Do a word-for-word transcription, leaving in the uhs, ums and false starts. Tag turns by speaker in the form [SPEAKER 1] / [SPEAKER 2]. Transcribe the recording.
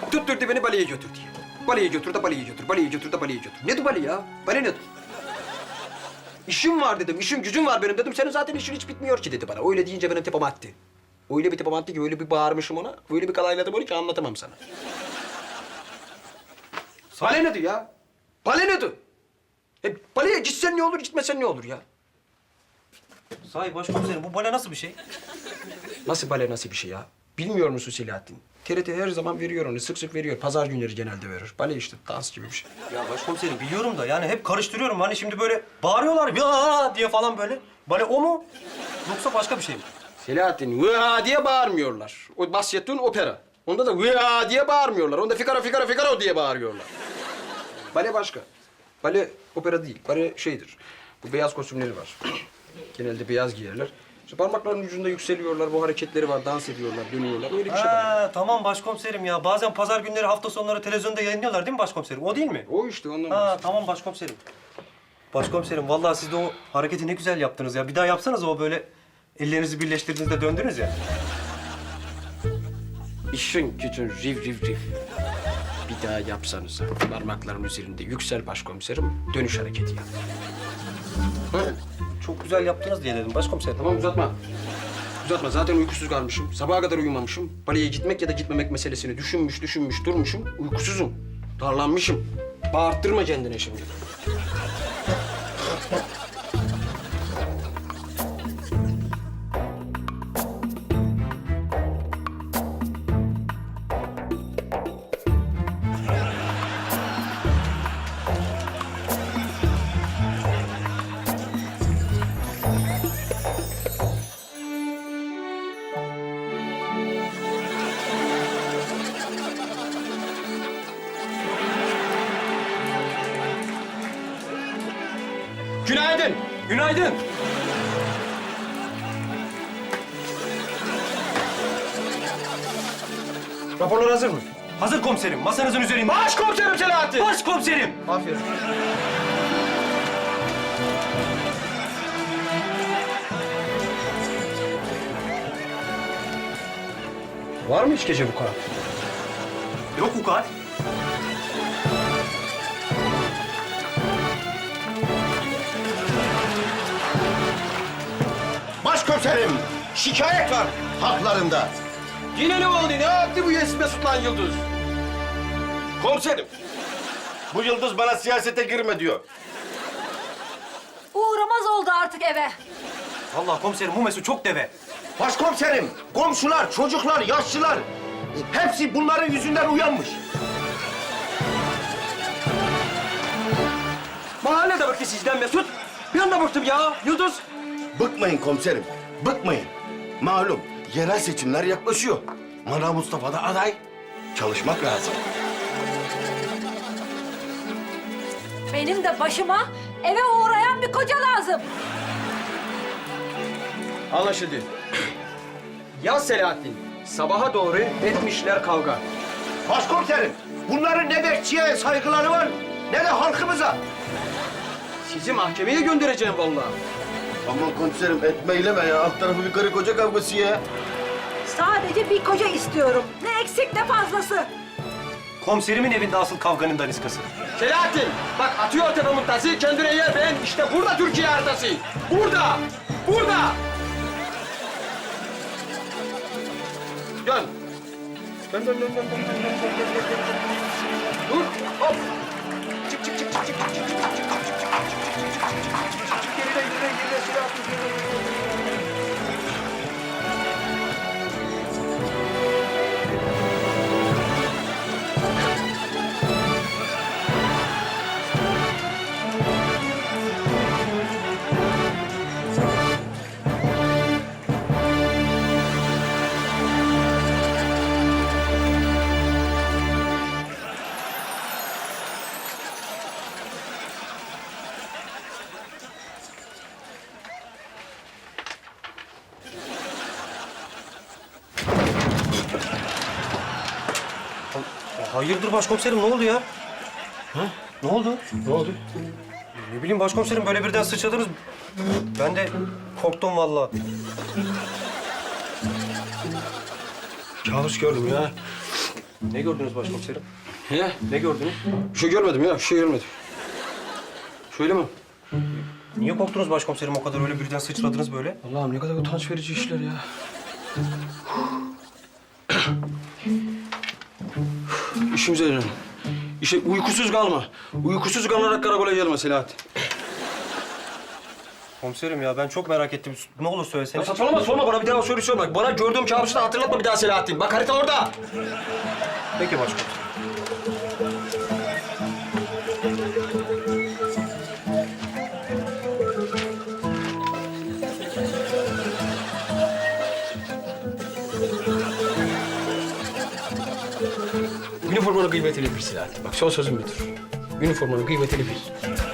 [SPEAKER 1] Tutturdu beni baleye götür diye. Baleye götür de baleye götür, baleye götür de baleye götür. Nedir bale ya? Bale nedir? İşim var dedim, işim gücüm var benim dedim. Senin zaten işin hiç bitmiyor ki dedi bana. Öyle deyince benim tepem attı. Öyle bir tepem attı ki, öyle bir bağırmışım ona. Öyle bir kalayladım onu ki anlatamam sana. Bale nedir ya? Bale nedir? E, baleye gitsen ne olur, gitmesen ne olur ya?
[SPEAKER 2] Sahi başkomiserim bu bale nasıl bir şey?
[SPEAKER 1] Nasıl bale, nasıl bir şey ya? Bilmiyor musun Selahattin? T R T her zaman veriyor onu, sık sık veriyor. Pazar günleri genelde verir. Bale işte, dans gibi bir şey.
[SPEAKER 2] Ya başkomiserim biliyorum da yani hep karıştırıyorum. Hani şimdi böyle bağırıyorlar ya diye falan böyle. Bale o mu? Yoksa başka bir şey mi?
[SPEAKER 1] Selahattin, vıha diye bağırmıyorlar. O bahsettiğin opera. Onda da vıha diye bağırmıyorlar. Onda figaro, figaro, figaro diye bağırıyorlar. Bale başka. Bale opera değil. Bale şeydir. Bu beyaz kostümleri var. Genelde beyaz giyerler. İşte parmaklarının ucunda yükseliyorlar. Bu hareketleri var. Dans ediyorlar, dönüyorlar. Öyle bir şey var.
[SPEAKER 2] Ha, tamam başkomiserim ya. Bazen pazar günleri hafta sonları televizyonda yayınlıyorlar değil mi başkomiserim? O değil mi?
[SPEAKER 1] O işte ondan
[SPEAKER 2] Ha
[SPEAKER 1] bahsediyorum.
[SPEAKER 2] tamam başkomiserim. Başkomiserim vallahi siz de o hareketi ne güzel yaptınız ya. Bir daha yapsanız o böyle ellerinizi birleştirdiğinizde döndünüz ya.
[SPEAKER 1] İşin gücün riv riv riv. Bir daha yapsanız parmakların üzerinde yüksel başkomiserim, dönüş hareketi yap. Ha?
[SPEAKER 2] Çok güzel yaptınız diye dedim başkomiserim.
[SPEAKER 1] Tamam uzatma. Uzatma. Zaten uykusuz kalmışım. Sabaha kadar uyumamışım. Baleye gitmek ya da gitmemek meselesini düşünmüş, düşünmüş, durmuşum. Uykusuzum. Darlanmışım. Bağırttırma kendine şimdi. Günaydın.
[SPEAKER 2] Günaydın.
[SPEAKER 1] Raporlar hazır mı?
[SPEAKER 2] Hazır komiserim. Masanızın üzerinde.
[SPEAKER 1] Başkomiserim Selahattin.
[SPEAKER 2] Başkomiserim.
[SPEAKER 1] Aferin. Var mı hiç gece bu kadar?
[SPEAKER 2] Yok vukuat.
[SPEAKER 3] Başkomiserim, şikayet var haklarında.
[SPEAKER 1] Yine ne oldu? Ne yaptı bu Yes Mesut lan Yıldız?
[SPEAKER 3] Komiserim, bu Yıldız bana siyasete girme diyor.
[SPEAKER 4] Uğramaz oldu artık eve.
[SPEAKER 2] Vallahi komiserim bu Mesut çok deve.
[SPEAKER 3] Başkomiserim, komşular, çocuklar, yaşlılar... hepsi bunların yüzünden uyanmış.
[SPEAKER 1] Mahallede bıktı sizden Mesut. Ben de bıktım ya Yıldız.
[SPEAKER 3] Bıkmayın komiserim, bıkmayın. Malum, yerel seçimler yaklaşıyor. Manav Mustafa da aday. Çalışmak lazım.
[SPEAKER 4] Benim de başıma eve uğrayan bir koca lazım.
[SPEAKER 1] Anlaşıldı. Ya Selahattin, sabaha doğru etmişler kavga.
[SPEAKER 3] Başkomiserim, bunların ne bekçiye saygıları var, ne de halkımıza.
[SPEAKER 1] Sizi mahkemeye göndereceğim vallahi.
[SPEAKER 3] Aman komiserim, etme eyleme ya. Alt tarafı bir karı koca kavgası ya.
[SPEAKER 4] Sadece bir koca istiyorum. Ne eksik ne fazlası.
[SPEAKER 2] Komiserimin evinde asıl kavganın daniskası.
[SPEAKER 1] Selahattin, bak atıyor tepamın tası, kendine yer beğen. İşte burada Türkiye haritası. Burada, burada. Dön. Dön, dön, dön, dön, dön, dön, dön, dön, dön, dön, dön. Dur, hop. Çık, çık, çık, çık, çık, çık, çık, çık, çık, çık, çık, çık, çık, çık, geride, geride, geride, Selahattin, geride, geride.
[SPEAKER 2] Hayırdır başkomiserim ne oldu ya? Ha? Ne oldu?
[SPEAKER 1] Ne oldu?
[SPEAKER 2] Ne bileyim başkomiserim böyle birden sıçradınız. Ben de korktum vallahi.
[SPEAKER 1] Kabus gördüm ya.
[SPEAKER 2] Ne gördünüz başkomiserim?
[SPEAKER 1] He?
[SPEAKER 2] Ne gördünüz?
[SPEAKER 1] Bir şey görmedim ya, bir şey görmedim. Şöyle mi?
[SPEAKER 2] Niye korktunuz başkomiserim o kadar öyle birden sıçradınız böyle?
[SPEAKER 1] Allah'ım ne kadar utanç verici işler ya. İşimize dönelim. İşe uykusuz kalma. Uykusuz kalarak karakola gelme Selahattin.
[SPEAKER 2] Komiserim ya ben çok merak ettim. Ne olur
[SPEAKER 1] Ya
[SPEAKER 2] söyleseniz.
[SPEAKER 1] saçmalama, sorma bana bir daha soru sorma. Bana gördüğüm kabusu da hatırlatma bir daha Selahattin. Bak harita orada.
[SPEAKER 2] Peki başkomiserim.
[SPEAKER 1] Üniformanın kıymetini bil Selahattin. Bak son sözüm budur. Üniformanın kıymetini bil.